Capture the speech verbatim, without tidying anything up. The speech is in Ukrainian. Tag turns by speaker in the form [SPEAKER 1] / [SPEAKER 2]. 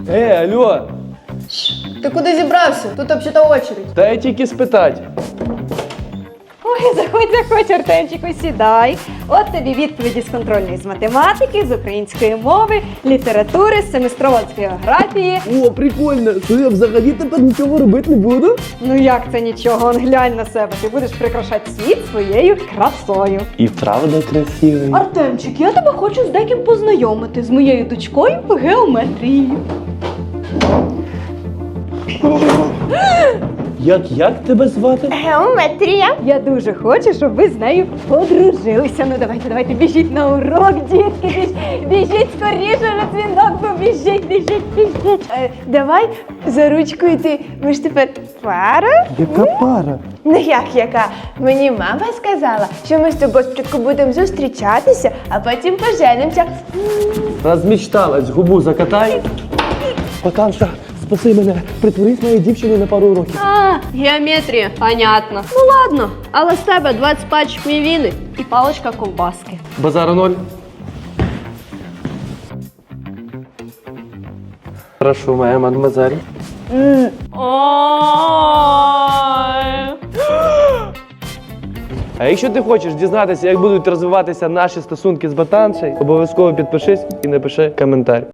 [SPEAKER 1] Е, алло,
[SPEAKER 2] Ти куди зібрався? Тут взагалі очередь.
[SPEAKER 1] та я тільки спитать.
[SPEAKER 3] Ой, заходь, заходь, Артемчику, сідай. От тобі відповіді з контрольної з математики, з української мови, літератури, з семестрова з географії.
[SPEAKER 1] О, прикольно, то я взагалі тепер нічого робити не буду.
[SPEAKER 3] Ну як це нічого? Он глянь на себе. Ти будеш прикрашати світ своєю красою.
[SPEAKER 1] І правда красивий.
[SPEAKER 3] Артемчик, я тебе хочу з деким познайомити, з моєю дочкою по геометрії.
[SPEAKER 1] Як, як тебе звати?
[SPEAKER 3] Геометрія. Я дуже хочу, щоб ви з нею подружилися. Ну давайте, давайте, біжіть на урок, дітки, біж, біжіть скоріше на дзвінок, бо біжіть, біжіть, біжіть.
[SPEAKER 2] Е, давай за ручку йти. Ми ж тепер пара.
[SPEAKER 1] Яка пара?
[SPEAKER 2] Ну як яка? Мені мама сказала, що ми з тобою спочатку будемо зустрічатися, а потім поженимося.
[SPEAKER 1] Розмічталась, губу закатай. Потанша, спаси мене, притворись моєю дівчиною на пару років.
[SPEAKER 4] А, геометрія, понятно. Ну ладно, але з тебе двадцять пачок мівіни і паличка ковбаски.
[SPEAKER 1] Базара ноль. Прошу, моя мадемуазель. А якщо ти хочеш дізнатися, як будуть розвиватися наші стосунки з ботаншею, обов'язково підпишись і напиши коментар.